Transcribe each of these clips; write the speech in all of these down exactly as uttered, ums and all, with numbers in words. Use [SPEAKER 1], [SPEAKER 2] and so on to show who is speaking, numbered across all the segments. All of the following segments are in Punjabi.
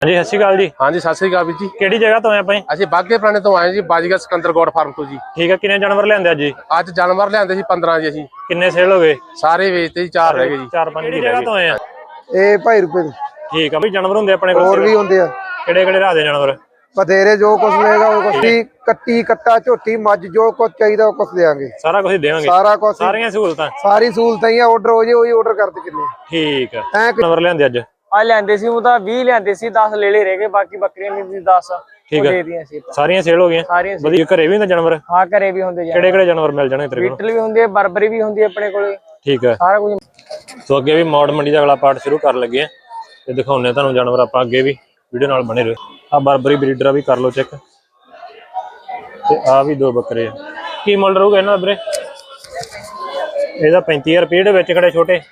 [SPEAKER 1] ਹਾਂਜੀ ਸਤਿ ਸ਼੍ਰੀ ਅਕਾਲ ਜੀ।
[SPEAKER 2] ਹਾਂਜੀ ਸਤਿ ਸ਼੍ਰੀ ਅਕਾਲ ਵੀਰ ਜੀ।
[SPEAKER 1] ਕਿਹੜੀ ਜਗ੍ਹਾ ਤੋਂ ਆਏ ਆਪਾਂ ਜੀ?
[SPEAKER 2] ਅਸੀਂ ਬਾਗੇ ਪੁਰਾਣੇ ਤੋਂ ਆਏ ਜੀ, ਬਾਜੀਗਰ ਸਿਕੰਦਰ ਗੋਡ ਫਾਰਮ ਤੋਂ ਜੀ।
[SPEAKER 1] ਠੀਕ ਹੈ, ਕਿੰਨੇ ਜਾਨਵਰ ਲਿਆਂਦੇ ਅੱਜ ਜੀ?
[SPEAKER 2] ਅੱਜ ਜਾਨਵਰ ਲਿਆਂਦੇ ਸੀ ਪੰਦਰਾਂ ਜੀ। ਅਸੀਂ
[SPEAKER 1] ਕਿੰਨੇ ਸੇਲ ਹੋ ਗਏ?
[SPEAKER 2] ਸਾਰੇ ਵੇਚਤੇ ਜੀ, ਚਾਰ ਰਹਿ ਗਏ ਜੀ।
[SPEAKER 1] ਚਾਰ ਪੰਜ ਕਿਹੜੀ ਜਗ੍ਹਾ ਤੋਂ ਆਏ ਆ?
[SPEAKER 3] ਇਹ ਭਾਈ ਰੁਪਏ ਦੇ
[SPEAKER 1] ਠੀਕ ਆ ਬਈ, ਜਾਨਵਰ ਹੁੰਦੇ ਆਪਣੇ ਕੋਲ?
[SPEAKER 3] ਹੋਰ ਵੀ ਹੁੰਦੇ ਆ
[SPEAKER 1] ਕਿਹੜੇ ਕਿਹੜੇ ਰਾਹ ਦੇ ਜਾਨਵਰ?
[SPEAKER 3] ਬਥੇਰੇ, ਜੋ ਕੁਛ ਲਏਗਾ ਉਹ ਕੁਛ ਹੀ, ਕੱਟੀ ਕੱਟਾ ਝੋਟੀ ਮੱਝ, ਜੋ ਕੁਛ ਚਾਹੀਦਾ ਉਹ ਕੁਛ ਦੇਾਂਗੇ।
[SPEAKER 1] ਸਾਰਾ ਕੁਝ ਦੇਵਾਂਗੇ?
[SPEAKER 3] ਸਾਰਾ ਕੁਛ,
[SPEAKER 1] ਸਾਰੀਆਂ ਸਹੂਲਤਾਂ?
[SPEAKER 3] ਸਾਰੀ ਸਹੂਲਤਾਂ ਹੀ ਆ। ਆਰਡਰ ਹੋ ਜੇ ਉਹੀ ਆਰਡਰ ਕਰਦੇ ਕਿੰਨੇ।
[SPEAKER 1] ਠੀਕ ਆ। ਜਾਨਵਰ ਲਿਆਂਦੇ ਅੱਜ?
[SPEAKER 4] ਆ ਲੈਂਦੇ ਸੀ ਉਹ ਤਾਂ ਵੀਹ ਲੈਂਦੇ ਸੀ, ਦਸ ਲੈ ਲੈ ਰਹਿ ਗਏ, ਬਾਕੀ ਬੱਕਰੀਆਂ ਨਹੀਂ ਸੀ ਦਸ
[SPEAKER 1] ਠੀਕ
[SPEAKER 4] ਦੇ ਦੀਆਂ ਸੀ।
[SPEAKER 1] ਸਾਰੀਆਂ ਸੇਲ ਹੋ ਗਈਆਂ?
[SPEAKER 4] ਸਾਰੀਆਂ
[SPEAKER 1] ਵਧੀਆ। ਘਰੇ ਵੀ ਹੁੰਦੇ ਜਾਨਵਰ?
[SPEAKER 4] ਹਾਂ ਘਰੇ ਵੀ ਹੁੰਦੇ।
[SPEAKER 1] ਕਿਹੜੇ ਕਿਹੜੇ ਜਾਨਵਰ ਮਿਲ ਜਾਣਗੇ ਤੇਰੇ ਕੋਲ?
[SPEAKER 4] ਬੀਟਲ ਵੀ ਹੁੰਦੀ ਹੈ, ਬਰਬਰੀ ਵੀ ਹੁੰਦੀ ਹੈ ਆਪਣੇ ਕੋਲੇ।
[SPEAKER 1] ਠੀਕ ਹੈ,
[SPEAKER 4] ਸਾਰਾ ਕੁਝ।
[SPEAKER 1] ਸੋ ਅੱਗੇ ਵੀ ਮੌੜ ਮੰਡੀ ਦਾ ਅਗਲਾ ਪਾਰਟ ਸ਼ੁਰੂ ਕਰਨ ਲੱਗੇ ਆ ਤੇ ਦਿਖਾਉਂਦੇ ਤੁਹਾਨੂੰ ਜਾਨਵਰ ਆਪਾਂ। ਅੱਗੇ ਵੀ ਵੀਡੀਓ ਨਾਲ ਬਣੇ ਰਹੋ। ਆ ਬਰਬਰੀ ਬਰੀਡਰ ਵੀ ਕਰ ਲਓ ਚੈੱਕ, ਤੇ ਆ ਵੀ ਦੋ ਬੱਕਰੇ ਆ। ਕੀ ਮੁੱਲ ਰਹੂਗਾ ਇਹਨਾਂ ਦਾ ਵੀਰੇ? ਇਹਦਾ ਪੈਂਤੀ ਹਜ਼ਾਰ ਰੁਪਏ। ਜਿਹੜੇ ਵਿੱਚ ਖੜੇ ਛੋਟੇ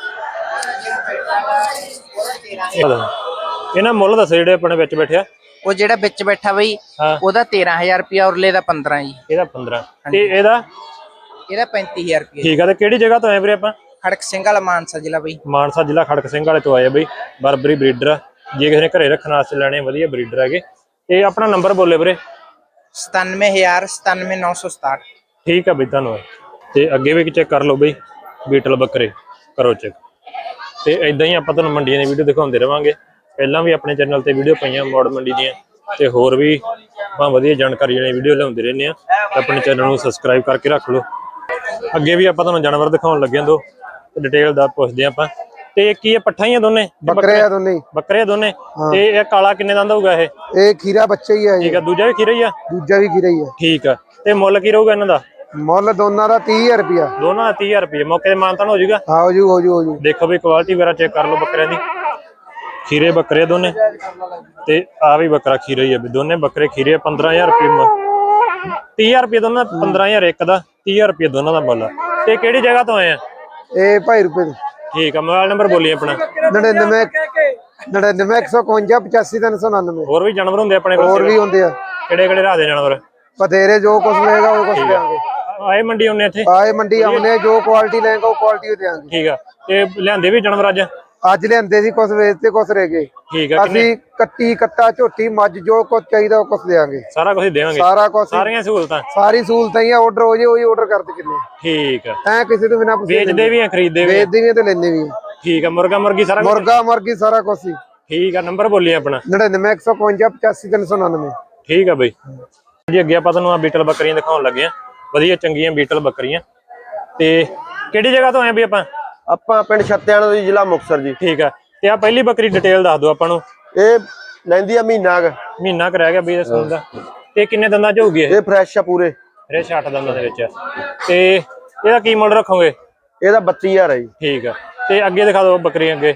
[SPEAKER 1] ਇਹਨਾਂ ਮੁੱਲ ਦੱਸੋ ਜਿਹੜੇ ਆਪਣੇ ਵਿੱਚ ਬੈਠਿਆ?
[SPEAKER 5] ਉਹ ਜਿਹੜਾ ਵਿੱਚ ਬੈਠਾ ਬਈ ਉਹਦਾ ਤੇਰਾਂ ਹਜ਼ਾਰ ਰੁਪਇਆ, ਉਰਲੇ ਦਾ ਪੰਦਰਾਂ ਜੀ।
[SPEAKER 1] ਇਹਦਾ ਪੰਦਰਾਂ ਤੇ ਇਹਦਾ?
[SPEAKER 5] ਇਹਦਾ ਪੈਂਤੀ ਹਜ਼ਾਰ ਰੁਪਇਆ।
[SPEAKER 1] ਠੀਕ ਆ। ਤੇ ਕਿਹੜੀ ਜਗ੍ਹਾ ਤੋਂ ਆਏ ਵੀਰੇ ਆਪਾਂ?
[SPEAKER 5] ਖੜਕ ਸਿੰਘ ਵਾਲਾ ਮਾਨਸਾ ਜ਼ਿਲ੍ਹਾ ਬਈ।
[SPEAKER 1] ਮਾਨਸਾ ਜ਼ਿਲ੍ਹਾ ਖੜਕ ਸਿੰਘ ਵਾਲੇ ਤੋਂ ਆਏ ਬਈ। ਬਰਬਰੀ ਬਰੀਡਰ ਜੇ ਕਿਸੇ ਨੇ ਘਰੇ ਰੱਖਣ ਵਾਸਤੇ ਲੈਣੇ, ਵਧੀਆ ਬਰੀਡਰ ਹੈਗੇ। ਤੇ ਆਪਣਾ ਨੰਬਰ ਬੋਲੇ ਵੀਰੇ।
[SPEAKER 5] ਸਤਾਨਵੇਂ ਹਜ਼ਾਰ ਸਤਾਨਵੇਂ ਨੌ ਸੌ ਸਤਾਹਠ।
[SPEAKER 1] ਠੀਕ ਆ ਬਈ, ਧੰਨਵਾਦ। ਤੇ ਅੱਗੇ ਵੀ ਚੈੱਕ ਕਰ ਲਓ ਬਈ, ਬੀਟਲ ਬੱਕਰੇ ਕਰੋ ਚੈੱਕ। ਤੇ ਇਦਾਂ ਹੀ ਆਪਾਂ ਤੁਹਾਨੂੰ ਮੰਡੀਆਂ ਦੀ ਵੀਡੀਓ ਦਿਖਾਉਂਦੇ ਰਵਾਂਗੇ। ਪਹਿਲਾਂ ਵੀ ਆਪਣੇ ਚੈਨਲ ਤੇ ਵੀਡੀਓ ਪਈਆਂ ਮੌੜ ਮੰਡੀ ਦੀਆਂ, ਤੇ ਹੋਰ ਵੀ ਆਪਾਂ ਵਧੀਆ ਜਾਣਕਾਰੀ ਵਾਲੀ ਵੀਡੀਓ ਲਿਆਉਂਦੇ ਰਹਿੰਦੇ ਆ। ਆਪਣੇ ਚੈਨਲ ਨੂੰ ਸਬਸਕ੍ਰਾਈਬ ਕਰਕੇ ਰੱਖ ਲਓ। ਅੱਗੇ ਵੀ ਆਪਾਂ ਤੁਹਾਨੂੰ ਜਾਨਵਰ ਦਿਖਾਉਣ ਲੱਗੇ ਦੋ, ਤੇ ਡਿਟੇਲ ਦਾ ਪੁੱਛਦੇ ਆਪਾਂ। ਤੇ ਕੀ ਇਹ ਪੱਠਾ ਹੀ ਆ ਦੋਨੇ?
[SPEAKER 3] ਬੱਕਰੇ ਆ ਦੋਨੇ।
[SPEAKER 1] ਬੱਕਰੇ ਆ ਦੋਨੇ। ਤੇ ਇਹ ਕਾਲਾ ਕਿੰਨੇ ਦੰਦ ਹੋਊਗਾ ਇਹ?
[SPEAKER 3] ਇਹ ਖੀਰਾ ਬੱਚਾ ਹੀ ਆ।
[SPEAKER 1] ਠੀਕ ਆ। ਦੂਜਾ ਵੀ ਖੀਰਾ ਹੀ ਆ?
[SPEAKER 3] ਦੂਜਾ ਵੀ ਖੀਰਾ ਹੀ ਆ।
[SPEAKER 1] ਠੀਕ ਆ। ਤੇ ਮੁੱਲ ਕੀ ਰਹੂਗਾ ਇਹਨਾਂ ਦਾ?
[SPEAKER 3] ਮੁੱਲ ਦੋਨਾਂ ਦਾ ਤੀਹ ਹਜ਼ਾਰ ਰੁਪਇਆ।
[SPEAKER 1] ਦੋਨਾਂ ਦਾ ਤੀਹ ਹਜ਼ਾਰ ਰੁਪਏ। ਮੌਕੇ ਤੇ ਮਾਨਤਾਨ ਹੋ ਜਾਊਗਾ?
[SPEAKER 3] ਹਾਂ ਹੋ ਜੂ ਹੋ ਜੂ ਹੋ ਜੂ।
[SPEAKER 1] ਦੇਖੋ ਵੀ ਕੁਆਲਿਟੀ ਵਗੈਰਾ ਚੈੱਕ ਕਰ ਲਓ ਬੱਕਰਿਆਂ ਦੀ। ਖੀਰੇ ਬੱਕਰੇ ਦੋਨੇ, ਤੇ ਆ ਵੀ ਬੱਕਰਾ ਖੀਰਾ ਹੀ ਆ। ਦੋਨੇ ਬੱਕਰੇ ਖੀਰੇ। ਪੰਦਰਾਂ ਹਜ਼ਾਰ ਰੁਪਏ, ਤੀਹ ਹਜ਼ਾਰ ਰੁਪਏ ਦੋਨਾਂ ਦਾ। ਪੰਦਰਾਂ ਹਜ਼ਾਰ ਇੱਕ ਦਾ, ਤੀਹ ਹਜ਼ਾਰ ਰੁਪਏ ਦੋਨਾਂ ਦਾ ਮੁੱਲ ਆ। ਤੇ ਕਿਹੜੀ ਜਗ੍ਹਾ ਤੋਂ ਆਏ ਆ?
[SPEAKER 3] ਇਹ ਭਾਈ ਰੁਪਏ ਦੇ।
[SPEAKER 1] ਠੀਕ ਆ। ਮੋਬਾਈਲ ਨੰਬਰ ਬੋਲੀ ਆਪਣਾ।
[SPEAKER 3] ਨੜਿਨਵੇਂ ਨੜਿਨਵੇਂ ਇੱਕ ਸੌ ਇਕਵੰਜਾ ਪਚਾਸੀ ਤਿੰਨ ਸੌ ਉਨਾਨਵੇਂ।
[SPEAKER 1] ਹੋਰ ਵੀ ਜਾਨਵਰ ਹੁੰਦੇ ਆਪਣੇ ਕੋਲ?
[SPEAKER 3] ਹੋਰ ਵੀ ਹੁੰਦੇ ਆ
[SPEAKER 1] ਕਿਹੜੇ ਕਿਹੜੇ ਰਾਹ ਦੇ ਜਾਨਵਰ?
[SPEAKER 3] ਬਥੇਰੇ, ਜੋ ਕੁਛ ਲਏਗਾ ਉਹ ਕੁਛ ਦੇਾਂਗੇ।
[SPEAKER 1] ਆਏ ਮੰਡੀ ਆਉਨੇ ਇੱਥੇ?
[SPEAKER 3] ਆਏ ਮੰਡੀ ਆਉਨੇ, ਜੋ ਕੁਆਲਿਟੀ ਲੈਂਗਾ ਉਹ ਕੁਆਲਿਟੀ ਦੇਾਂਗੇ।
[SPEAKER 1] ਠੀਕ ਆ। ਤੇ ਲਿਆਂਦੇ ਵੀ ਜਾਨਵਰ ਅੱਜ?
[SPEAKER 3] ਅੱਜ ਲਿਆਂਦੇ ਸੀ, ਕੁਛ ਵੇਚਤੇ ਕੁਛ ਰਹਿ ਗਏ।
[SPEAKER 1] ਠੀਕ ਆ।
[SPEAKER 3] ਅਸੀਂ ਕੱਟੀ ਕੱਟਾ ਝੋਟੀ ਮੱਝ, ਜੋ ਕੁਛ ਚਾਹੀਦਾ ਉਹ ਕੁਛ ਦੇਾਂਗੇ।
[SPEAKER 1] ਸਾਰਾ ਕੁਝ ਦੇਵਾਂਗੇ?
[SPEAKER 3] ਸਾਰਾ ਕੁਛ,
[SPEAKER 1] ਸਾਰੀਆਂ ਸਹੂਲਤਾਂ?
[SPEAKER 3] ਸਾਰੀ ਸਹੂਲਤਾਂ ਹੀ ਆ। ਆਰਡਰ ਹੋ ਜੇ ਉਹੀ ਆਰਡਰ ਕਰਦੇ ਕਿੰਨੇ।
[SPEAKER 1] ਠੀਕ ਆ।
[SPEAKER 3] ਐ ਕਿਸੇ ਤੋਂ ਬਿਨਾ ਪੁੱਛੇ
[SPEAKER 1] ਵੇਚਦੇ ਵੀ ਆ, ਖਰੀਦਦੇ ਵੀ?
[SPEAKER 3] ਵੇਚਦੇ ਵੀ ਤੇ ਲੈਂਦੇ ਵੀ।
[SPEAKER 1] ਠੀਕ ਆ। ਮੁਰਗਾ ਮੁਰਗੀ ਸਾਰਾ?
[SPEAKER 3] ਮੁਰਗਾ ਮੁਰਗੀ ਸਾਰਾ ਕੁਛ ਹੀ।
[SPEAKER 1] ਠੀਕ ਆ। ਨੰਬਰ ਬੋਲੀ ਆਪਣਾ।
[SPEAKER 3] ਨੜਿਨਵੇਂ ਇੱਕ ਸੌ ਇਕਵੰਜਾ ਪਚਾਸੀ ਤਿੰਨ ਸੌ ਉਨਾਨਵੇਂ।
[SPEAKER 1] ਠੀਕ ਆ ਬਈ ਜੀ। ਅੱਗੇ ਆਪਾਂ ਤੁਹਾਨੂੰ ਆ ਬੀਟਲ ਬੱਕਰੀਆਂ ਦਿਖਾਉਣ ਲੱਗੇ ਆ। ਵਧੀਆ ਚੰਗੀਆਂ ਬੀਟਲ ਬੱਕਰੀਆਂ। ਤੇ ਕਿਹੜੀ ਜਗ੍ਹਾ ਤੋਂ ਆਏ ਵੀ ਆਪਾਂ?
[SPEAKER 6] ਆਪਾਂ ਪਿੰਡ ਛੱਤਿਆਣਾ ਤੋਂ, ਜ਼ਿਲ੍ਹਾ ਮੁਕਤਸਰ ਜੀ।
[SPEAKER 1] ਠੀਕ ਆ। ਤੇ ਆ ਪਹਿਲੀ ਬੱਕਰੀ ਡਿਟੇਲ ਦੱਸ ਦਿਓ ਆਪਾਂ ਨੂੰ।
[SPEAKER 6] ਇਹ ਲੈਂਦੀ ਆ ਮਹੀਨਾ ਕ
[SPEAKER 1] ਮਹੀਨਾ ਕ ਰਹਿ ਗਿਆ ਬਈ ਇਸ ਦਾ। ਤੇ ਕਿੰਨੇ ਦੰਦਾਂ ਚ ਹੋਊਗੀ ਇਹ?
[SPEAKER 6] ਇਹ ਫਰੈਸ਼ ਆ ਪੂਰੇ।
[SPEAKER 1] ਇਹ ਛੱਟ ਦੰਦਾਂ ਦੇ ਵਿੱਚ ਆ। ਤੇ ਇਹਦਾ ਕੀ ਮੁੱਲ ਰੱਖੋਗੇ?
[SPEAKER 6] ਇਹਦਾ ਬੱਤੀ ਹਜ਼ਾਰ ਹੈ ਜੀ।
[SPEAKER 1] ਠੀਕ ਆ। ਤੇ ਅੱਗੇ ਦਿਖਾ ਦਿਓ ਬੱਕਰੀ। ਅੱਗੇ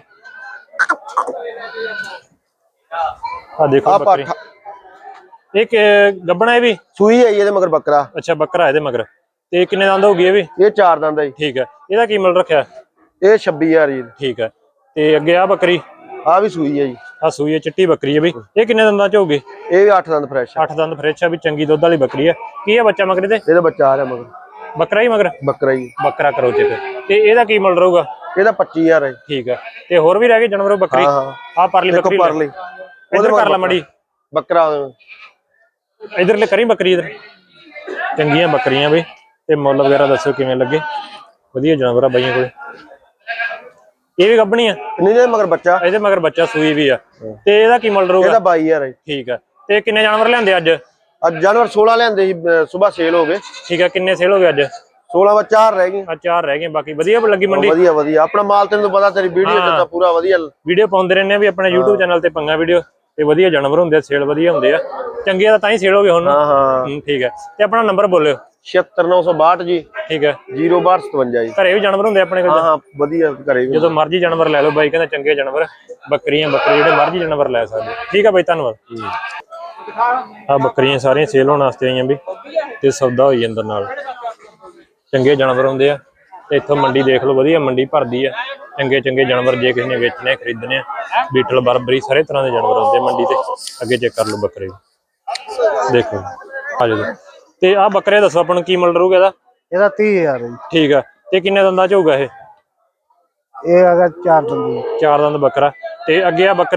[SPEAKER 1] ਆ ਦੇਖੋ ਬੱਕਰੀ। ਇੱਕ ਗੱਬਣਾ ਇਹ ਵੀ?
[SPEAKER 6] ਸੂਈ ਹੈ ਇਹਦੇ ਮਗਰ ਬੱਕਰਾ।
[SPEAKER 1] ਅੱਛਾ, ਬੱਕਰਾ ਇਹਦੇ ਮਗਰ। ਤੇ ਕਿੰਨੇ ਦੰਦ ਹੋਊਗੀ ਇਹ ਵੀ?
[SPEAKER 6] ਇਹ ਚਾਰ ਦੰਦ ਹੈ ਜੀ।
[SPEAKER 1] ਠੀਕ ਆ। ਇਹਦਾ ਕੀ ਮੁੱਲ ਰੱਖਿਆ?
[SPEAKER 6] ਇਹ ਛੱਬੀ ਹਜ਼ਾਰ ਜੀ।
[SPEAKER 1] ਠੀਕ ਆ। ਤੇ ਅੱਗੇ ਆ ਬੱਕਰੀ?
[SPEAKER 6] ਆ ਵੀ ਸੂਈ ਹੈ ਜੀ।
[SPEAKER 1] ਆ ਸੂਈ ਹੈ, ਚਿੱਟੀ ਬੱਕਰੀ ਹੈ ਬਈ। ਇਹ ਕਿੰਨੇ ਦੰਦਾਂ ਚ ਹੋਊਗੀ?
[SPEAKER 6] ਇਹ ਵੀ ਅੱਠ ਦੰਦ ਫਰੈਸ਼।
[SPEAKER 1] ਅੱਠ ਦੰਦ ਫਰੈਸ਼ ਆ ਵੀ, ਚੰਗੀ ਦੁੱਧ ਵਾਲੀ ਬੱਕਰੀ ਆ। ਕੀ ਆ ਬੱਚਾ ਮਗਰ ਦੇ?
[SPEAKER 6] ਇਹਦਾ ਬੱਚਾ ਆ ਰਿਹਾ ਮਗਰ।
[SPEAKER 1] ਬੱਕਰਾ ਹੀ ਮਗਰ?
[SPEAKER 6] ਬੱਕਰਾ ਜੀ।
[SPEAKER 1] ਬੱਕਰਾ ਕਰੋ ਚੈੱਕ। ਤੇ ਇਹਦਾ ਕੀ ਮੁੱਲ ਰਹੂਗਾ?
[SPEAKER 6] ਇਹਦਾ ਪੱਚੀ ਹਜ਼ਾਰ ਹੈ।
[SPEAKER 1] ਠੀਕ ਆ। ਤੇ ਹੋਰ ਵੀ ਰਹਿ ਗਏ ਜਾਨਵਰ ਬੱਕਰੀ?
[SPEAKER 6] ਹਾਂ ਹਾਂ।
[SPEAKER 1] ਆ ਪਰਲੀ ਬੱਕਰੀ
[SPEAKER 6] ਪਰਲੀ
[SPEAKER 1] ਉਹਦੇ ਕਰ ਲਾ ਮੜੀ।
[SPEAKER 6] ਬੱਕਰਾ
[SPEAKER 1] ਇਧਰ ਲੈ ਕਰੀ ਬੱਕਰੀ ਇਧਰ। ਚੰਗੀਆਂ ਬੱਕਰੀਆਂ ਬਈ। ਤੇ ਮੁੱਲ ਵਗੈਰਾ ਦੱਸੋ ਕਿਵੇਂ ਲੱਗੇ? ਵਧੀਆ ਜਾਨਵਰ ਆ ਬਾਈਆਂ ਕੋਲੇ। ਇਹ ਵੀ ਗੱਭਣੀ ਆ?
[SPEAKER 6] ਨਹੀਂ ਨਹੀਂ, ਮਗਰ ਬੱਚਾ।
[SPEAKER 1] ਇਹਦੇ ਮਗਰ ਬੱਚਾ ਸੂਈ ਵੀ ਆ। ਤੇ ਇਹਦਾ ਕੀ ਮੁੱਲ ਰਹੂਗਾ?
[SPEAKER 6] ਇਹਦਾ ਬਾਈ ਹਜ਼ਾਰ ਹੈ।
[SPEAKER 1] ਠੀਕ ਆ। ਤੇ ਕਿੰਨੇ ਜਾਨਵਰ ਲਿਆਂਦੇ ਅੱਜ?
[SPEAKER 6] ਅੱਜ ਜਾਨਵਰ ਸੋਲਾਂ ਲਿਆਂਦੇ ਸੀ, ਸਵੇਰ ਸੇਲ ਹੋ ਗਏ।
[SPEAKER 1] ਠੀਕ ਆ। ਕਿੰਨੇ ਸੇਲ ਹੋ ਗਏ ਅੱਜ?
[SPEAKER 6] ਸੋਲਾਂ ਵਿੱਚ ਚਾਰ ਰਹਿ ਗਏ।
[SPEAKER 1] ਆ ਚਾਰ ਰਹਿ ਗਏ। ਬਾਕੀ ਵਧੀਆ ਲੱਗੀ ਮੰਡੀ?
[SPEAKER 6] ਵਧੀਆ ਵਧੀਆ। ਆਪਣਾ ਮਾਲ ਤੈਨੂੰ ਪਤਾ, ਤੇਰੀ ਵੀਡੀਓ ਚ ਤਾਂ ਪੂਰਾ ਵਧੀਆ
[SPEAKER 1] ਵੀਡੀਓ ਪਾਉਂਦੇ ਰਹਿੰਦੇ ਆ ਵੀ ਆਪਣੇ YouTube ਚੈਨਲ ਤੇ ਪੰਗਾ ਵੀਡੀਓ। ਤੇ ਵਧੀਆ ਜਾਨਵਰ ਹੁੰਦੇ ਆ, ਸੇਲ ਵਧੀਆ ਹੁੰਦੇ ਆ। ਚੰਗੇ ਦਾ ਤਾਂ ਹੀ ਸੇਲ ਹੋ ਗਏ ਹੁਣ।
[SPEAKER 6] ਹਾਂ ਹਾਂ।
[SPEAKER 1] ਠੀਕ ਹੈ। ਤੇ ਆਪਣਾ ਨੰਬਰ ਬੋਲਿਓ।
[SPEAKER 6] ਛਿਅੱਤਰ ਨੌ ਸੌ ਬਾਹਠ ਜੀ।
[SPEAKER 1] ਠੀਕ ਹੈ।
[SPEAKER 6] ਜ਼ੀਰੋ ਬਾਹਠ ਸਤਵੰਜਾ ਜੀ।
[SPEAKER 1] ਘਰੇ ਵੀ ਜਾਨਵਰ ਹੁੰਦੇ ਆਪਣੇ ਕੋਲ?
[SPEAKER 6] ਹਾਂ ਹਾਂ, ਵਧੀਆ ਘਰੇ ਵੀ।
[SPEAKER 1] ਜਦੋਂ ਮਰਜ਼ੀ ਜਾਨਵਰ ਲੈ ਲਓ ਬਾਈ ਕਹਿੰਦਾ, ਚੰਗੇ ਜਾਨਵਰ ਬੱਕਰੀਆਂ ਬੱਕਰੇ ਜਿਹੜੇ ਮਰਜ਼ੀ ਜਾਨਵਰ ਲੈ ਸਕਦੇ। ਠੀਕ ਆ ਬਾਈ, ਧੰਨਵਾਦ। ਆ ਬੱਕਰੀਆਂ ਸਾਰੀਆਂ ਸੇਲ ਹੋਣ ਵਾਸਤੇ ਆਈਆਂ ਵੀ, ਤੇ ਸੌਦਾ ਹੋਈ ਅੰਦਰ ਨਾਲ। ਚੰਗੇ ਜਾਨਵਰ ਹੁੰਦੇ ਆ। ਤੇ ਇੱਥੋਂ ਮੰਡੀ ਦੇਖ ਲਓ, ਵਧੀਆ ਮੰਡੀ ਭਰਦੀ ਆ। ਚੰਗੇ ਚੰਗੇ ਜਾਨਵਰ ਜੇ ਕਿਸੇ ਨੇ ਵੇਚਣੇ ਖਰੀਦਣੇ ਆ, ਬੀਟਲ ਬਰਬਰੀ ਸਾਰੇ ਤਰ੍ਹਾਂ ਦੇ ਜਾਨਵਰ ਹੁੰਦੇ ਮੰਡੀ ਤੇ। ਅੱਗੇ ਚੈੱਕ ਕਰ ਲਓ ਬੱਕਰੇ ਦੇਖੋ। ਆ ਜਾਓ। ਤੇ ਆ ਬੱਕਰੇ ਦੱਸੋ ਆਪਾਂ ਨੂੰ ਕੀ ਮੁੱਲ ਰਹੂਗਾ ਇਹਦਾ?
[SPEAKER 3] ਇਹਦਾ ਤੀਹ ਹਜ਼ਾਰ ਹੈ।
[SPEAKER 1] ਠੀਕ ਆ। ਤੇ ਕਿੰਨੇ ਦੰਦਾਂ ਚ ਹੋਊਗਾ ਇਹ?
[SPEAKER 3] ਇਹ ਹੈਗਾ ਚਾਰ ਦੰਦ।
[SPEAKER 1] ਚਾਰ ਦੰਦ ਬੱਕਰਾ। ਤੇ ਅੱਗੇ ਆ ਬੱਕਰੀਆਂ?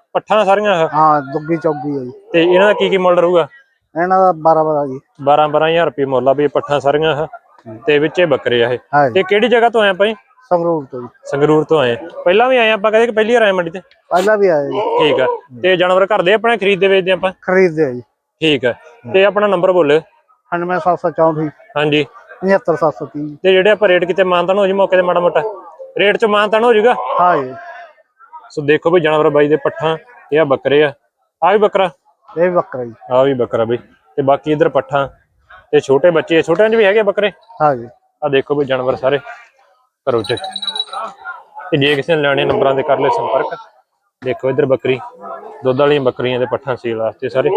[SPEAKER 1] ਪੱਠਾਂ ਸਾਰੀਆਂ ਆਹ?
[SPEAKER 3] ਹਾਂ ਦੁੱਗੀ ਚੌਗੀ ਹੈ ਜੀ।
[SPEAKER 1] ਤੇ ਇਹਨਾਂ ਦਾ ਕੀ ਕੀ ਮੁੱਲ ਰਹੂਗਾ?
[SPEAKER 3] ਇਹਨਾਂ ਦਾ ਬਾਰਾਂ ਬਾਰਾਂ ਜੀ।
[SPEAKER 1] ਬਾਰਾਂ ਬਾਰਾਂ ਹਜ਼ਾਰ ਰੁਪਏ ਮੁੱਲ ਆ ਵੀ ਪੱਠਾਂ ਸਾਰੀਆਂ ਆਹ ਤੇ ਵਿੱਚੇ ਬੱਕਰੇ ਆ ਇਹ।
[SPEAKER 3] ਹਾਂ ਜੀ
[SPEAKER 1] ਤੇ ਕਿਹੜੀ ਜਗ੍ਹਾ ਤੋਂ ਆਏ ਆਪਾਂ ਜੀ?
[SPEAKER 3] ਸੰਗਰੂਰ ਤੋਂ ਜੀ।
[SPEAKER 1] ਸੰਗਰੂਰ ਤੋਂ ਆਏ ਆ। ਪਹਿਲਾਂ ਵੀ ਆਏ ਆਪਾਂ ਕਦੇ ਕਿ ਪਹਿਲੀ ਵਾਰ ਆਏ ਮੰਡੀ ਤੇ?
[SPEAKER 3] ਪਹਿਲਾਂ ਵੀ ਆਏ ਜੀ।
[SPEAKER 1] ਠੀਕ ਆ। ਤੇ ਜਾਨਵਰ ਘਰ ਦੇ ਆਪਣੇ ਖਰੀਦਦੇ ਵੇਚਦੇ ਆਪਾਂ?
[SPEAKER 3] ਖਰੀਦਦੇ ਆ ਜੀ।
[SPEAKER 1] ਠੀਕ ਆ। ਤੇ ਆਪਣਾ ਨੰਬਰ ਬੋਲਿਓ।
[SPEAKER 3] ਅਠਾਨਵੇਂ ਸੱਤ ਸੌ ਚੌਂਹਠ
[SPEAKER 1] ਹਾਂਜੀ
[SPEAKER 3] ਪਝੱਤਰ ਸੱਤ ਸੌ ਤੀਹ।
[SPEAKER 1] ਤੇ ਜਿਹੜੇ ਆਪਾਂ ਰੇਟ ਕਿਤੇ ਮਾਨਤਾਨ ਹੋ ਜੀ ਮੌਕੇ ਤੇ ਮਾੜਾ ਮੋਟਾ ਰੇਟ ਚ ਮਾਨਤਾਨ ਹੋ ਜਾਊਗਾ?
[SPEAKER 3] ਹਾਂ ਜੀ।
[SPEAKER 1] ਸੋ ਦੇਖੋ ਬਈ ਜਾਨਵਰ ਬਾਈ ਦੇ ਪੱਠਾਂ ਇਹ ਆ ਬੱਕਰੇ ਆ। ਆ ਵੀ ਬੱਕਰਾ,
[SPEAKER 3] ਇਹ ਵੀ ਬੱਕਰਾ ਜੀ।
[SPEAKER 1] ਆ ਵੀ ਬੱਕਰਾ ਬਈ। ਤੇ ਬਾਕੀ ਇਧਰ ਪੱਠਾਂ ਤੇ ਛੋਟੇ ਬੱਚੇ, ਛੋਟਿਆਂ ਚ ਵੀ ਹੈਗੇ ਬੱਕਰੇ।
[SPEAKER 3] ਹਾਂ ਜੀ।
[SPEAKER 1] ਆ ਦੇਖੋ ਬਈ ਜਾਨਵਰ ਸਾਰੇ ਕਰੋ ਚੈੱਕ। ਤੇ ਜੇ ਕਿਸੇ ਨੇ ਲੈਣੇ ਨੰਬਰਾਂ ਤੇ ਕਰ ਲੈ ਸੰਪਰਕ। ਦੇਖੋ ਇਧਰ ਬੱਕਰੀ, ਦੁੱਧ ਵਾਲੀਆਂ ਬੱਕਰੀਆਂ ਦੇ ਪੱਠਾਂ ਸੇਲ ਵਾਸਤੇ ਸਾਰੇ।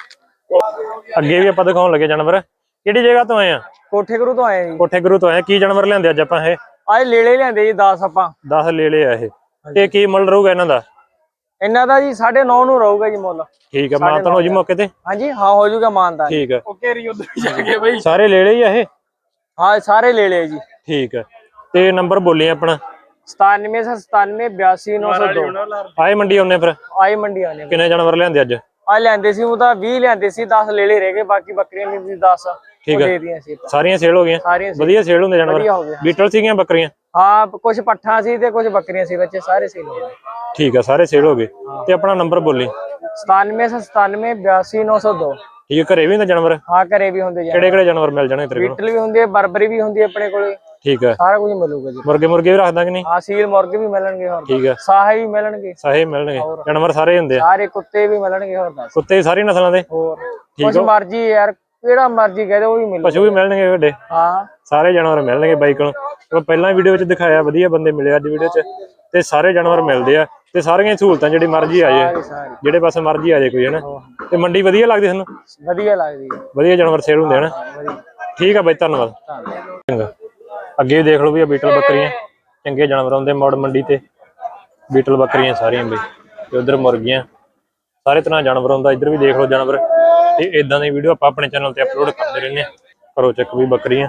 [SPEAKER 1] ਅੱਗੇ ਵੀ ਆਪਾਂ ਦਿਖਾਉਣ ਲੱਗੇ ਜਾਨਵਰ। ਕਿਹੜੀ ਜਗ੍ਹਾ ਤੋਂ ਆਏ ਆ?
[SPEAKER 4] ਕੋਠੇ ਗੁਰੂ ਤੋਂ ਆਏ ਜੀ।
[SPEAKER 1] ਕੋਠੇ ਗੁਰੂ ਤੋਂ ਆਏ। ਕੀ ਜਾਨਵਰ ਲਿਆਂਦੇ ਅੱਜ ਆਪਾਂ? ਇਹ
[SPEAKER 4] ਆਏ ਲੇਲੇ ਲਿਆਂਦੇ ਜੀ ਦਸ ਆਪਾਂ।
[SPEAKER 1] ਦਸ ਲੈ ਲਏ ਆ ਇਹ। ਤੇ ਕੀ ਮੁੱਲ ਰਹੂਗਾ ਇਹਨਾਂ ਦਾ?
[SPEAKER 4] ਇਹਨਾਂ ਦਾ ਜੀ ਸਾਢੇ ਨੌ ਨੂੰ ਰਹੂਗਾ ਜੀ ਮੁੱਲ।
[SPEAKER 1] ਠੀਕ ਆ। ਮਾਨਤਾਨ ਹੋ ਜੀ ਮੌਕੇ ਤੇ?
[SPEAKER 4] ਹਾਂਜੀ ਹਾਂ ਹੋ ਜਾਊਗਾ ਮਾਨਦਾਨ।
[SPEAKER 1] ਠੀਕ ਆ।
[SPEAKER 4] ਓਕੇ ਰੀ ਉਧਰ ਜਾ ਕੇ ਬਈ
[SPEAKER 1] ਸਾਰੇ ਲੈ ਲਏ ਆ ਇਹ?
[SPEAKER 4] ਹਾਂ ਸਾਰੇ ਲੈ ਲਏ ਜੀ।
[SPEAKER 1] ਠੀਕ ਆ। ਤੇ ਨੰਬਰ ਬੋਲੀ ਆਪਣਾ?
[SPEAKER 4] ਸਤਾਨਵੇਂ ਸੌ ਸਤਾਨਵੇਂ ਬਿਆਸੀ ਨੌ ਸੌ ਦੋ।
[SPEAKER 1] ਆਏ ਮੰਡੀ ਆਉਨੇ ਫਿਰ?
[SPEAKER 4] ਆਈ ਮੰਡੀ ਆਨੇ।
[SPEAKER 1] ਕਿੰਨੇ ਜਾਨਵਰ ਲਿਆਂਦੇ ਅੱਜ?
[SPEAKER 4] ਆ ਲੈਂਦੇ ਸੀ ਉਹ ਤਾਂ ਵੀਹ ਲੈਂਦੇ ਸੀ, ਦਸ ਲੇਲੇ ਰਹਿ ਗਏ, ਬਾਕੀ ਬੱਕਰੀਆਂ ਵੀ ਸੀ ਦਸ
[SPEAKER 1] ਠੀਕ
[SPEAKER 4] ਉਹ
[SPEAKER 1] ਆ।
[SPEAKER 4] ਦੇ ਦੀਆਂ ਸੀ ਆਪਾਂ।
[SPEAKER 1] ਸਾਰੀਆਂ ਸੇਲ ਹੋ ਗਈਆਂ?
[SPEAKER 4] ਸਾਰੀਆਂ ਸੀ।
[SPEAKER 1] ਵਧੀਆ ਸੇਲ ਹੁੰਦੇ
[SPEAKER 4] ਵਧੀਆ ਹੋ
[SPEAKER 1] ਜਾਨਵਰ?
[SPEAKER 4] ਗਿਆ।
[SPEAKER 1] ਬੀਟਲ ਸੀਗੀਆਂ ਬੱਕਰੀਆਂ?
[SPEAKER 4] ਹਾਂ ਕੁਝ ਪੱਠਾਂ ਸੀ ਤੇ ਕੁਝ ਬੱਕਰੀਆਂ ਸੀ, ਬੱਚੇ ਸਾਰੇ ਸੇਲ ਹੋ ਗਏ।
[SPEAKER 1] ਠੀਕ ਆ। ਸਾਰੇ ਸੇਲ ਹੋ ਗਏ। ਤੇ ਆਪਣਾ ਨੰਬਰ ਬੋਲੀ?
[SPEAKER 4] ਸਤਾਨਵੇਂ ਸੌ ਸਤਾਨਵੇਂ ਬਿਆਸੀ ਨੌ ਸੌ ਦੋ।
[SPEAKER 1] ਠੀਕ ਆ। ਘਰੇ ਵੀ ਹੁੰਦੇ ਜਾਨਵਰ?
[SPEAKER 4] ਹਾਂ ਘਰੇ ਵੀ ਹੁੰਦੇ ਜੀ।
[SPEAKER 1] ਕਿਹੜੇ ਕਿਹੜੇ ਜਾਨਵਰ ਮਿਲ ਜਾਣਗੇ ਤੇਰੇ ਕੋਲ?
[SPEAKER 4] ਬੀਟਲ ਵੀ ਹੁੰਦੀ ਹੈ, ਬਰਬਰੀ ਵੀ ਹੁੰਦੀ ਹੈ ਆਪਣੇ ਕੋਲੇ।
[SPEAKER 1] ਠੀਕ ਆ।
[SPEAKER 4] ਸਾਰਾ ਕੁਝ ਮਿਲੂਗਾ ਜੀ।
[SPEAKER 1] ਮੁਰਗੇ ਮੁਰਗੇ ਵੀ ਰੱਖਦਾ ਕਿ ਨਹੀਂ?
[SPEAKER 4] ਹਾਂ ਸੀਲ ਮੁਰਗੇ ਵੀ ਮਿਲਣਗੇ ਹੋਰ।
[SPEAKER 1] ਠੀਕ ਆ।
[SPEAKER 4] ਸਾਹੇ ਵੀ ਮਿਲਣਗੇ।
[SPEAKER 1] ਸਾਹੇ ਮਿਲਣਗੇ। ਜਾਨਵਰ ਸਾਰੇ ਹੁੰਦੇ ਆ?
[SPEAKER 4] ਸਾਰੇ ਕੁੱਤੇ ਵੀ ਮਿਲਣਗੇ ਹੋਰ ਦੱਸ।
[SPEAKER 1] ਕੁੱਤੇ ਸਾਰੀ ਨਸਲਾਂ ਦੇ?
[SPEAKER 4] ਹੋਰ ਕੁਝ ਮਰਜੀ ਯਾਰ ਕਿਹੜਾ ਮਰਜੀ ਕਹਦੇ ਉਹ ਵੀ ਮਿਲੂ।
[SPEAKER 1] ਪਸ਼ੂ ਵੀ ਮਿਲਣਗੇ ਵੱਡੇ?
[SPEAKER 4] ਹਾਂ
[SPEAKER 1] ਸਾਰੇ ਜਾਨਵਰ ਮਿਲਣਗੇ ਬਾਈ ਕੋਲ। ਆਪਾਂ ਪਹਿਲਾਂ ਵੀਡੀਓ ਵਿੱਚ ਦਿਖਾਇਆ, ਵਧੀਆ ਬੰਦੇ ਮਿਲੇ ਅੱਜ ਵੀਡੀਓ 'ਚ। ਤੇ ਸਾਰੇ ਜਾਨਵਰ ਮਿਲਦੇ ਆ ਤੇ ਸਾਰੀਆਂ ਸਹੂਲਤਾਂ ਜਿਹੜੀ ਮਰਜ਼ੀ ਆ ਜਾਏ, ਜਿਹੜੇ ਪਾਸੇ ਮਰਜ਼ੀ ਆ ਜਾਏ ਕੋਈ ਹਨਾ। ਤੇ ਮੰਡੀ ਵਧੀਆ ਲੱਗਦੀ ਤੁਹਾਨੂੰ?
[SPEAKER 4] ਵਧੀਆ ਲੱਗਦੀ ਹੈ।
[SPEAKER 1] ਵਧੀਆ ਜਾਨਵਰ ਸੇਲ ਹੁੰਦੇ ਹਨਾ। ਠੀਕ ਆ ਬਾਈ ਧੰਨਵਾਦ। ਚੰਗਾ। ਅੱਗੇ ਦੇਖ ਲਓ ਵੀ ਆ ਬੀਟਲ ਬੱਕਰੀਆਂ, ਚੰਗੇ ਜਾਨਵਰ ਆਉਂਦੇ ਮੌੜ ਮੰਡੀ ਤੇ। ਬੀਟਲ ਬੱਕਰੀਆਂ ਸਾਰੀਆਂ ਬਈ। ਤੇ ਉਧਰ ਮੁਰਗੀਆਂ, ਸਾਰੇ ਤਰ੍ਹਾਂ ਜਾਨਵਰ ਆਉਂਦਾ। ਇੱਧਰ ਵੀ ਦੇਖ ਲਓ ਜਾਨਵਰ। ਤੇ ਇਦਾਂ ਦੀ ਵੀਡੀਓ ਆਪਾਂ ਆਪਣੇ ਚੈਨਲ ਤੇ ਅਪਲੋਡ ਕਰਦੇ ਰਹਿੰਦੇ ਆ। ਕਰੋ ਚੈੱਕ ਵੀ ਬੱਕਰੀਆਂ।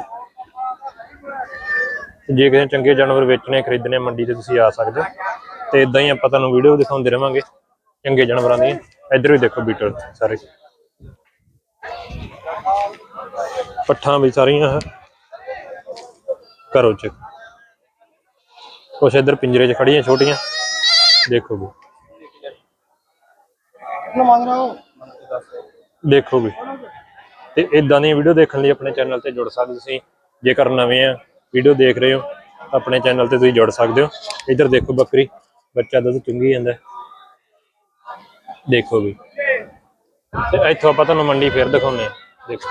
[SPEAKER 1] ਜੇ ਕਿਸੇ ਚੰਗੇ ਜਾਨਵਰ ਵੇਚਣੇ ਖਰੀਦਣੇ ਮੰਡੀ ਤੇ ਤੁਸੀਂ ਆ ਸਕਦੇ ਹੋ। ਤੇ ਇਦਾਂ ਹੀ ਆਪਾਂ ਤੁਹਾਨੂੰ ਵੀਡੀਓ ਦਿਖਾਉਂਦੇ ਰਵਾਂਗੇ ਚੰਗੇ ਜਾਨਵਰਾਂ ਦੀਆਂ। ਇੱਧਰ ਵੀ ਦੇਖੋ ਬੀਟਲ ਸਾਰੇ ਪੱਠਾਂ ਵੀ ਸਾਰੀਆਂ ਕਰੋ ਚੈੱਕ। ਕੁਛ ਇੱਧਰ ਪਿੰਜਰੇ 'ਚ ਖੜੀਆਂ ਛੋਟੀਆਂ ਦੇਖੋ ਵੀ। ਦੇਖੋ ਵੀ। ਤੇ ਇਦਾਂ ਦੀਆਂ ਵੀਡੀਓ ਦੇਖਣ ਲਈ ਆਪਣੇ ਚੈਨਲ ਤੇ ਜੁੜ ਸਕਦੇ ਤੁਸੀਂ। ਜੇਕਰ ਨਵੇਂ ਆ ਵੀਡੀਓ ਦੇਖ ਰਹੇ ਹੋ ਆਪਣੇ ਚੈਨਲ ਤੇ ਤੁਸੀਂ ਜੁੜ ਸਕਦੇ ਹੋ। ਇੱਧਰ ਦੇਖੋ ਬੱਕਰੀ, ਬੱਚਾ ਦੁੱਧ ਚੁੰਗੀ ਜਾਂਦਾ ਦੇਖੋ ਵੀ। ਤੇ ਇੱਥੋਂ ਆਪਾਂ ਤੁਹਾਨੂੰ ਮੰਡੀ ਫੇਰ ਦਿਖਾਉਂਦੇ ਆ। ਦੇਖੋ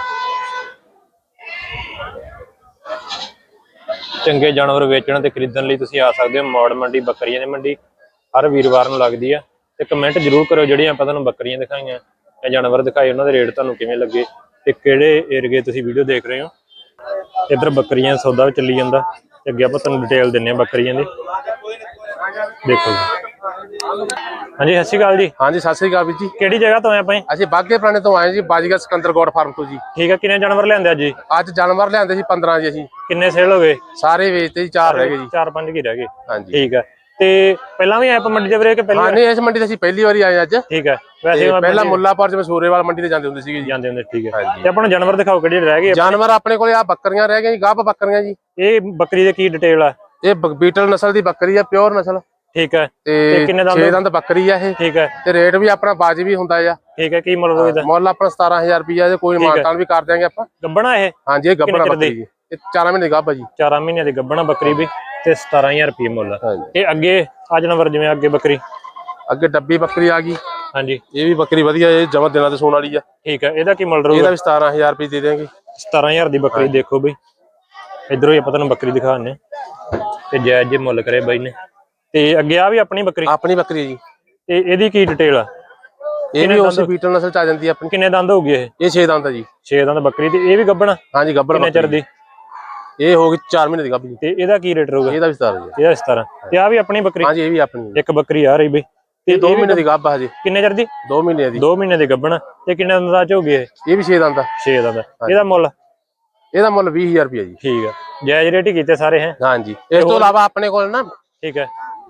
[SPEAKER 1] ਚੰਗੇ ਜਾਨਵਰ ਵੇਚਣ ਤੇ ਖਰੀਦਣ ਲਈ ਤੁਸੀਂ ਆ ਸਕਦੇ ਹੋ ਮੌੜ ਮੰਡੀ, ਬੱਕਰੀਆਂ ਦੀ ਮੰਡੀ। ਹਰ ਵੀਰਵਾਰ ਨੂੰ ਲੱਗਦੀ ਆ। ਤੇ ਕਮੈਂਟ ਜ਼ਰੂਰ ਕਰੋ ਜਿਹੜੀਆਂ ਆਪਾਂ ਤੁਹਾਨੂੰ ਬੱਕਰੀਆਂ ਦਿਖਾਈਆਂ ਜਾਂ ਜਾਨਵਰ ਦਿਖਾਏ ਉਹਨਾਂ ਦੇ ਰੇਟ ਤੁਹਾਨੂੰ ਕਿਵੇਂ ਲੱਗੇ ਤੇ ਕਿਹੜੇ ਏਰੀਏ ਤੁਸੀਂ ਵੀਡੀਓ ਦੇਖ ਰਹੇ ਹੋ। ਇੱਧਰ ਬੱਕਰੀਆਂ ਸੌਦਾ ਵੀ ਚੱਲੀ ਜਾਂਦਾ ਤੇ ਅੱਗੇ ਆਪਾਂ ਤੁਹਾਨੂੰ ਡਿਟੇਲ ਦਿੰਨੇ ਆ ਬੱਕਰੀਆਂ ਦੀ। ਦੇਖੋ ਜੀ। ਹਾਂਜੀ ਸਤਿ ਸ਼੍ਰੀ ਅਕਾਲ ਜੀ।
[SPEAKER 2] ਹਾਂਜੀ ਸਤਿ ਸ੍ਰੀ ਅਕਾਲ ਵੀਰ ਜੀ।
[SPEAKER 1] ਕਿਹੜੀ ਜਗ੍ਹਾ ਤੋਂ ਆਏ ਆਪਾਂ?
[SPEAKER 2] ਅਸੀਂ ਬਾਗੇ ਪੁਰਾਣੇ ਤੋਂ ਆਏ ਜੀ, ਬਾਜੀਗਰ ਸਿਕੰਦਰ ਗੋਡ ਫਾਰਮ ਤੋਂ ਜੀ।
[SPEAKER 1] ਠੀਕ ਆ। ਕਿੰਨੇ ਜਾਨਵਰ ਲਿਆਂਦੇ ਅੱਜ ਜੀ?
[SPEAKER 2] ਅੱਜ ਜਾਨਵਰ ਲਿਆਂਦੇ ਸੀ ਪੰਦਰਾਂ ਜੀ। ਅਸੀਂ
[SPEAKER 1] ਕਿੰਨੇ ਸੇਲ ਹੋ ਗਏ?
[SPEAKER 2] ਸਾਰੇ ਵੇਚਤੇ ਜੀ, ਚਾਰ ਰਹਿ ਗਏ ਜੀ।
[SPEAKER 1] ਚਾਰ ਪੰਜ ਕੀ ਰਹਿ ਗਏ?
[SPEAKER 2] ਹਾਂਜੀ
[SPEAKER 1] ਠੀਕ ਆ। ਤੇ ਪਹਿਲਾਂ ਵੀ ਆਏ ਆਪਾਂ ਮੰਡੀ ਦੇ ਵੀਰੇ ਕਿ ਪਹਿਲੀ
[SPEAKER 2] ਹਾਂ
[SPEAKER 1] ਵਾਰ?
[SPEAKER 2] ਨਹੀਂ ਇਸ ਮੰਡੀ ਤੇ ਅਸੀਂ ਪਹਿਲੀ ਵਾਰੀ ਆਏ ਅੱਜ।
[SPEAKER 1] ਠੀਕ ਆ। ਵੈਸੇ
[SPEAKER 2] ਪਹਿਲਾਂ ਮੁੱਲਾਪੁਰ ਜਿਵੇਂ ਸੂਰੇਵਾਲ ਮੰਡੀ ਤੇ ਜਾਂਦੇ ਹੁੰਦੇ ਸੀਗੇ ਜੀ।
[SPEAKER 1] ਜਾਂਦੇ ਹੁੰਦੇ। ਠੀਕ ਹੈ। ਤੇ ਆਪਾਂ ਨੂੰ ਜਾਨਵਰ ਦਿਖਾਓ ਕਿਹੜੇ ਰਹਿ ਗਏ?
[SPEAKER 2] ਜਾਨਵਰ ਆਪਣੇ ਕੋਲੇ ਆ ਬੱਕਰੀਆਂ ਰਹਿ ਗਈਆਂ ਜੀ, ਗੱਭ ਬੱਕਰੀਆਂ ਜੀ।
[SPEAKER 1] ਇਹ ਬੱਕਰੀ ਦੇ ਕੀ ਡਿਟੇਲ ਆ?
[SPEAKER 2] ਇਹ ਬੀਟਲ ਨਸਲ ਦੀ ਬੱਕਰੀ ਆ, ਪਿਓਰ ਨਸਲ।
[SPEAKER 1] ਠੀਕ ਹੈ।
[SPEAKER 2] ਤੇ
[SPEAKER 1] ਕਿੰਨੇ ਦੰਦ?
[SPEAKER 2] ਛੇ ਦੰਦ ਬੱਕਰੀ ਆ ਇਹ।
[SPEAKER 1] ਠੀਕ ਹੈ।
[SPEAKER 2] ਤੇ ਰੇਟ ਵੀ ਆਪਣਾ ਵਾਜਬੀ ਹੁੰਦਾ ਆ।
[SPEAKER 1] ਠੀਕ ਹੈ। ਕੀ ਮੁੱਲ ਹੋਵੇਗਾ?
[SPEAKER 2] ਮੁੱਲ ਆਪਣਾ ਸਤਾਰਾਂ ਹਜ਼ਾਰ ਰੁਪਇਆ ਜੇ ਕੋਈ ਮਾਨਤਾਨ ਵੀ ਕਰ ਦਿਆਂਗੇ ਆਪਾਂ।
[SPEAKER 1] ਗੱਬਣਾ ਇਹ?
[SPEAKER 2] ਹਾਂਜੀ ਇਹ ਗੱਬਣਾ ਬੱਕਰੀ ਜੀ। ਇਹ ਚਾਰਾਂ ਮਹੀਨੇ ਦੀ ਗੱਭ ਆ ਜੀ।
[SPEAKER 1] ਚਾਰਾਂ ਮਹੀਨਿਆਂ ਦੀ ਗੱਬਣਾ ਬੱਕਰੀ ਵੀ ਤੇ ਸਤਾਰਾਂ ਹਜ਼ਾਰ ਰੁਪਏ ਮੁੱਲ। ਤੇ ਅੱਗੇ ਆ ਜਾਨਵਰ ਜਿਵੇਂ ਅੱਗੇ ਬੱਕਰੀ,
[SPEAKER 2] ਅੱਗੇ ਡੱਬੀ ਬੱਕਰੀ ਆ ਗਈ।
[SPEAKER 1] ਹਾਂਜੀ
[SPEAKER 2] ਇਹ ਵੀ ਬੱਕਰੀ ਵਧੀਆ, ਇਹ ਜਮਾ ਦਿਨਾਂ ਤੇ ਸੂਣ ਵਾਲੀ ਆ।
[SPEAKER 1] ਠੀਕ ਹੈ। ਇਹਦਾ ਕੀ ਮੁੱਲ ਰਹੂਗਾ?
[SPEAKER 2] ਇਹਦਾ ਵੀ ਸਤਾਰਾਂ ਹਜ਼ਾਰ ਰੁਪਏ ਦੇ ਦੇਵਾਂਗੇ।
[SPEAKER 1] ਸਤਾਰਾਂ ਹਜ਼ਾਰ ਦੀ ਬੱਕਰੀ। ਦੇਖੋ ਬਈ ਇਧਰੋਂ ਹੀ ਆਪਾਂ ਤੁਹਾਨੂੰ ਬੱਕਰੀ ਦਿਖਾਉਂਦੇ ਤੇ ਜਾਇਜ਼ ਜੇ ਮੁੱਲ ਕਰੇ ਬਾਈ ਨੇ। ਤੇ ਅੱਗੇ ਆ ਵੀ ਆਪਣੀ ਬੱਕਰੀ?
[SPEAKER 2] ਆਪਣੀ ਬੱਕਰੀ ਜੀ।
[SPEAKER 1] ਤੇ ਇਹਦੀ ਕੀ ਡਿਟੇਲ ਆ?
[SPEAKER 2] ਇਹ ਵੀ ਉਸੇ ਬੀਟਲ ਨਸਲ ਚ ਆ ਜਾਂਦੀ ਆ ਆਪਣੀ।
[SPEAKER 1] ਕਿੰਨੇ ਦੰਦ ਹੋਊਗੀ ਇਹ?
[SPEAKER 2] ਇਹ ਛੇ ਦੰਦ ਆ ਜੀ।
[SPEAKER 1] ਛੇ ਦੰਦ ਬੱਕਰੀ। ਤੇ ਇਹ ਵੀ ਗੱਬਣਾ?
[SPEAKER 2] ਹਾਂਜੀ ਗੱਬਣਾ।
[SPEAKER 1] ਕਿੰਨੇ ਚਿਰ ਦੀ?
[SPEAKER 2] ਇਹ ਹੋ ਗਈ ਚਾਰ ਮਹੀਨੇ ਦੀ ਗੱਭ ਜੀ।
[SPEAKER 1] ਤੇ ਇਹਦਾ ਕੀ ਰੇਟ ਰਹੂਗਾ?
[SPEAKER 2] ਇਹਦਾ ਵੀ ਸਤਾਰਾਂ ਹਜ਼ਾਰ।
[SPEAKER 1] ਇਹਦਾ ਸਤਾਰਾਂ। ਤੇ ਆ ਵੀ ਆਪਣੀ ਬੱਕਰੀ?
[SPEAKER 2] ਹਾਂਜੀ ਇਹ ਵੀ ਆਪਣੀ।
[SPEAKER 1] ਇੱਕ ਬੱਕਰੀ ਆ ਰਹੀ ਬਈ।
[SPEAKER 2] ਤੇ ਦੋ ਮਹੀਨੇ ਦੀ ਗੱਭ ਆ ਹਜੇ।
[SPEAKER 1] ਕਿੰਨੇ ਚਿਰ ਦੀ?
[SPEAKER 2] ਦੋ ਮਹੀਨੇ ਦੀ।
[SPEAKER 1] ਦੋ ਮਹੀਨੇ ਦੀ ਗੱਬਣ। ਤੇ ਕਿੰਨੇ ਦੰਦ ਦਾ ਚ ਹੋ ਗਈ ਇਹ?
[SPEAKER 2] ਇਹ ਵੀ ਛੇ ਦੰਦ ਆ।
[SPEAKER 1] ਛੇ ਦੰਦ। ਇਹਦਾ ਮੁੱਲ?
[SPEAKER 2] ਇਹਦਾ ਮੁੱਲ ਵੀਹ ਹਜ਼ਾਰ ਰੁਪਏ ਜੀ।
[SPEAKER 1] ਠੀਕ ਆ। ਜਾਇਜ਼ ਰੇਟ ਹੀ ਕੀਤੇ ਸਾਰੇ ਹੈ?
[SPEAKER 2] ਹਾਂਜੀ। ਇਸ ਤੋਂ ਇਲਾਵਾ ਆਪਣੇ ਕੋਲ ਨਾ
[SPEAKER 1] ਠੀਕ ਹੈ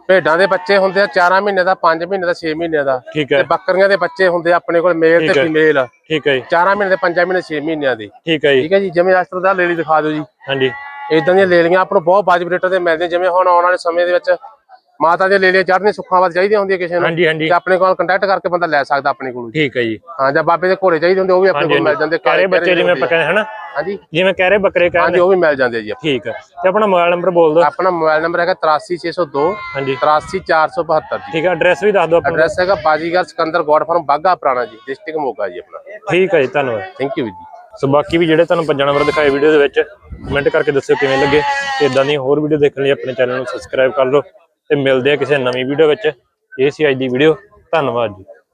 [SPEAKER 2] ਭੇਡਾਂ ਦੇ ਬੱਚੇ ਹੁੰਦੇ ਆ ਚਾਰ ਮਹੀਨੇ ਦਾ, ਪੰਜ ਮਹੀਨੇ ਦਾ, ਛੇ ਮਹੀਨੇ ਦਾ।
[SPEAKER 1] ਠੀਕ ਹੈ
[SPEAKER 2] ਤੇ ਬੱਕਰੀਆਂ ਦੇ ਬੱਚੇ ਹੁੰਦੇ ਆ ਆਪਣੇ ਕੋਲ ਮੇਲ
[SPEAKER 1] ਠੀਕ
[SPEAKER 2] ਤੇ
[SPEAKER 1] ਹੈ।
[SPEAKER 2] ਫੀਮੇਲ,
[SPEAKER 1] ਠੀਕ ਹੈ ਜੀ
[SPEAKER 2] ਚਾਰ ਮਹੀਨੇ ਦੇ, ਪੰਜ ਮਹੀਨੇ, ਛੇ ਮਹੀਨਿਆਂ ਦੇ।
[SPEAKER 1] ਠੀਕ ਹੈ ਜੀ
[SPEAKER 2] ਠੀਕ ਹੈ ਜੀ। ਜਿਵੇਂ ਇਸ ਤਰ੍ਹਾਂ ਦਾ ਲੇਲੀ ਦਿਖਾ ਦਿਓ ਜੀ।
[SPEAKER 1] ਹਾਂਜੀ
[SPEAKER 2] ਇਦਾਂ ਦੀਆਂ ਲੇਲੀਆਂ ਆਪਾਂ ਨੂੰ ਬਹੁਤ ਵਾਜਬ ਰੇਟਾਂ ਤੇ ਮਿਲਦੀਆਂ। ਜਿਵੇਂ ਹੁਣ ਆਉਣ ਵਾਲੇ ਸਮੇਂ ਦੇ ਵਿੱਚ ਮਾਤਾ ਦੀਆਂ ਲੇਲੀਆਂ ਚੜ੍ਹਨੀਆਂ ਸੁੱਖਾਂ ਵਾਸਤੇ ਚਾਹੀਦੀਆਂ ਹੁੰਦੀਆਂ ਕਿਸੇ ਨੂੰ,
[SPEAKER 1] ਹਾਂਜੀ ਹਾਂਜੀ
[SPEAKER 2] ਤੇ ਆਪਣੇ ਕੋਲ ਕੰਟੈਕਟ ਕਰਕੇ ਬੰਦਾ ਲੈ ਸਕਦਾ ਆਪਣੇ ਕੋਲ।
[SPEAKER 1] ਠੀਕ ਹੈ ਜੀ।
[SPEAKER 2] ਹਾਂ, ਜਾਂ ਬਾਬੇ ਦੇ ਘੋੜੇ ਚਾਹੀਦੇ ਹੁੰਦੇ ਉਹ ਵੀ ਆਪਣੇ ਕੋਲ ਮਿਲ ਜਾਂਦੇ।
[SPEAKER 1] ਕਹਿਰੇ ਬੱਚੇ ਜਿਵੇਂ ਆਪਾਂ ਕਹਿੰਦੇ ਹਨਾ,
[SPEAKER 2] ਹਾਂਜੀ
[SPEAKER 1] ਜਿਵੇਂ ਕਹਿਰੇ ਬੱਕਰੇ
[SPEAKER 2] ਹਾਂਜੀ,
[SPEAKER 1] ਕਹਿੰਦੇ,
[SPEAKER 2] ਉਹ ਵੀ ਮਿਲ ਜਾਂਦੇ ਜੀ।
[SPEAKER 1] ਠੀਕ ਹੈ। ਤੇ ਆਪਣਾ ਮੋਬਾਈਲ ਨੰਬਰ ਬੋਲ ਦਿਓ।
[SPEAKER 2] ਆਪਣਾ ਮੋਬਾਈਲ ਨੰਬਰ ਹੈਗਾ ਤਰਾਸੀ ਛੇ ਸੌ ਦੋ
[SPEAKER 1] ਹਾਂਜੀ
[SPEAKER 2] ਤਰਾਸੀ ਚਾਰ ਸੌ ਬਹੱਤਰ ਜੀ।
[SPEAKER 1] ਠੀਕ ਹੈ। ਐਡਰੈਸ ਵੀ ਦੱਸ ਦਿਓ ਆਪਣਾ।
[SPEAKER 2] ਐਡਰੈਸ ਹੈਗਾ ਬਾਜੀਗਰ ਸਿਕੰਦਰ ਗੋਡ ਫਾਰਮ ਬਾਗਾ ਪੁਰਾਣਾ ਜੀ, ਡਿਸਟ੍ਰਿਕਟ ਮੋਗਾ ਜੀ ਆਪਣਾ।
[SPEAKER 1] ਠੀਕ ਹੈ ਜੀ, ਧੰਨਵਾਦ।
[SPEAKER 2] ਥੈਂਕ ਯੂ ਜੀ।
[SPEAKER 1] ਸੋ ਬਾਕੀ ਵੀ ਜਿਹੜੇ ਤੁਹਾਨੂੰ ਪੰਜਾਂ ਨੰਬਰ ਦਿਖਾਏ ਵੀਡੀਓ ਦੇ ਵਿੱਚ, ਕਮੈਂਟ ਕਰਕੇ ਦੱਸਿਓ ਕਿਵੇਂ ਲੱਗੇ। ਤੇ ਇਦਾਂ ਦੀਆਂ ਹੋਰ ਵੀਡੀਓ ਦੇਖਣ ਲਈ ਆਪਣੇ ਚੈਨਲ ਨੂੰ ਸਬਸਕ੍ਰਾਈਬ ਕਰ ਲਓ ਤੇ ਮਿਲਦੇ ਆ ਕਿਸੇ ਨਵੀਂ ਵੀਡੀਓ ਵਿੱਚ। ਇਹ ਸੀ ਅੱਜ ਦੀ ਵੀਡੀਓ। ਧੰਨਵਾਦ ਜੀ।